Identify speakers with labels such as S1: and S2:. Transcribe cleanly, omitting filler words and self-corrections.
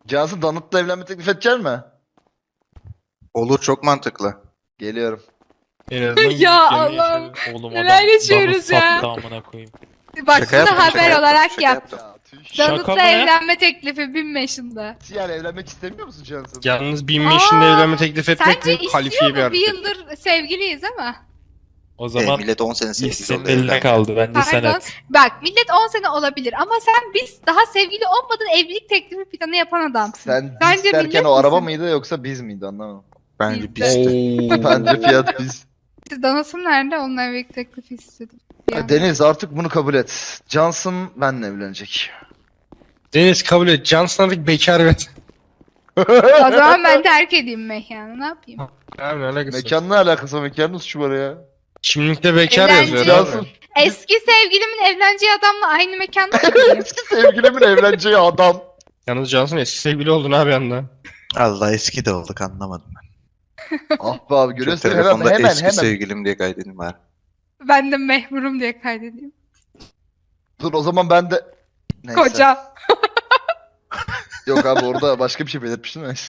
S1: Cansu Donut'la evlenme teklif edecek mi?
S2: Olur, çok mantıklı.
S1: Geliyorum.
S3: En azından
S4: Ya
S3: gidip
S4: Allah'ım,
S3: yaşadı. Oğlum
S4: neler
S3: adam
S4: yaşıyoruz
S3: bana
S4: ya.
S3: sattı amına koyayım.
S4: Bak
S2: Şaka
S4: bunu
S2: yaptım,
S4: haber
S2: şaka yaptım,
S4: olarak
S2: şaka
S4: yap.
S2: yaptım.
S1: Ya tüh.
S3: Şaka
S4: Donut'la
S3: mı ya?
S4: evlenme teklifi 1000 yaşında.
S1: Yani evlenmek istemiyor musun Cansu?
S3: Yalnız 1500'inde evlenme teklif etmek
S4: Sence
S3: büyük kalifiye
S4: istiyor
S3: bir
S4: mu? Bir
S3: hareket.
S4: yıldır sevgiliyiz ama.
S3: O zaman
S2: Millet 10 sene
S3: iş
S2: sevgili
S3: senin
S2: oldu.
S3: eline
S2: evlendi.
S3: kaldı. Bence sen
S4: Pardon.
S3: et.
S4: Bak millet 10 sene olabilir ama biz daha sevgili olmadan evlilik teklifi planı yapan adamsın.
S1: Sen
S4: Bence
S1: biz derken
S4: millet
S1: o araba
S4: misin?
S1: mıydı yoksa biz miydi anlamadım.
S2: Bence
S4: Bizde.
S2: bizdi.
S1: Bence fiyat biz.
S4: Danasım nerede? Onunla evlilik teklifi istedim. Yani.
S1: Deniz artık bunu kabul et. Johnson benle evlenecek.
S3: Deniz kabul et. Johnson artık bekar ve...
S4: O zaman ben terk edeyim mekanı. Ne yapayım?
S3: Abi ne alakası var?
S1: Mekanla alakası var. Mekanın suçu var ya.
S3: Kimlikte bekar
S4: Eğlence.
S3: yazıyor
S1: Johnson
S3: abi.
S4: Eski sevgilimin evleneceği adamla aynı mekanda mı gideyim?
S1: eski sevgilimin evleneceği adam.
S3: Yalnız Johnson eski sevgili oldun abi anda.
S2: Allah, eski de olduk, anlamadım ben.
S1: Ah be abi
S2: Şu
S1: görüyorsun
S2: telefonda
S1: hemen
S2: eski
S1: hemen.
S2: sevgilim diye kaydedeyim bari.
S4: Ben de mehmurum diye kaydedeyim.
S1: Dur o zaman ben de... Neyse.
S4: Koca.
S1: Yok abi orada başka bir şey belirtmiştim. Neyse.